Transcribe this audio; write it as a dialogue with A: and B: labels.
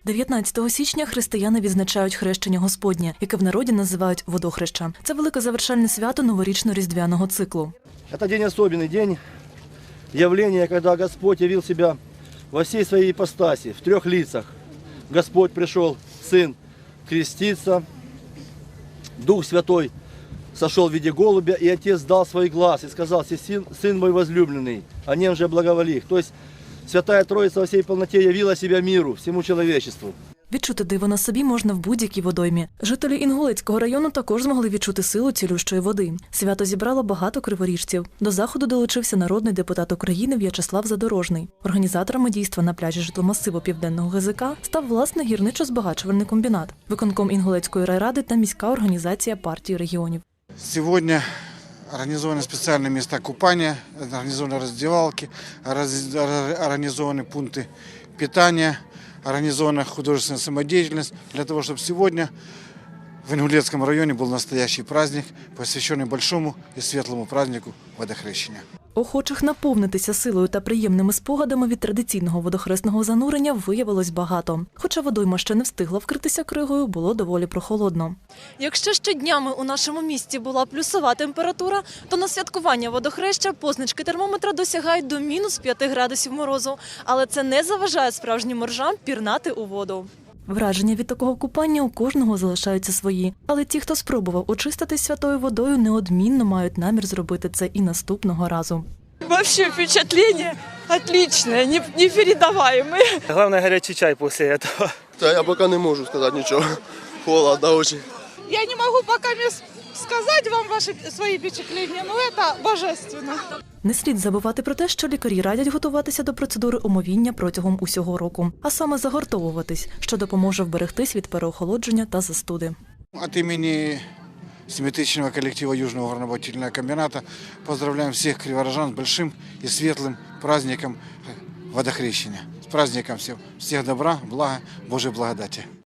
A: 19 січня християни відзначають хрещення Господнє, яке в народі називають водохреща. Це велике завершальне свято новорічно-різдвяного циклу.
B: Это день особенный, день явления, когда Господь явил себя во всей своей ипостаси, в трех лицах. Господь пришел, Сын, креститься, Дух Святой сошел в виде голубя, и Отец дал свой глаз и сказал: «Сын мой возлюбленный, о нем же благоволи». То есть Святая Троица во всей полноте явила себя миру, всему человечеству.
A: Відчути диво на собі можна в будь-якій водоймі. Жителі Інгулецького району також змогли відчути силу цілющої води. Свято зібрало багато криворіжців. До заходу долучився народний депутат України В'ячеслав Задорожний. Організаторами дійства на пляжі житломасиву Південного ГЗК став власне гірничо-збагачувальний комбінат, виконком Інгулецької райради та міська організація партії регіонів.
C: Сегодня организованы специальные места купания, организованы раздевалки, организованы пункты питания, организована художественная самодеятельность для того, чтобы сегодня в Ингулецком районе был настоящий праздник, посвященный большому и светлому празднику водохрещения.
A: Охочих наповнитися силою та приємними спогадами від традиційного водохресного занурення виявилось багато. Хоча водойма ще не встигла вкритися кригою, було доволі прохолодно. Якщо ще днями у нашому місті була плюсова температура, то на святкування водохреща позначки термометра досягають до -5 градусів морозу. Але це не заважає справжнім моржам пірнати у воду. Враження від такого купання у кожного залишаються свої. Але ті, хто спробував очиститись святою водою, неодмінно мають намір зробити це і наступного разу.
D: Вообще впечатление отличное, непередаваемое.
E: Главное, горячий чай после этого.
F: Да, я пока не могу сказать ничего. Холодно очень.
D: Я не могу пока сказать вам свои впечатления, но это божественно.
A: Не слід забувати про те, що лікарі радять готуватися до процедури омовіння протягом усього року, а саме загортовуватись, що допоможе вберегтись від переохолодження та застуди.
C: От имени семитысячного коллектива Южного горнобогатительного комбината поздравляем всех криворожан с большим и светлым праздником водохрещения. С праздником всем. Всех добра, блага, Божьей благодати.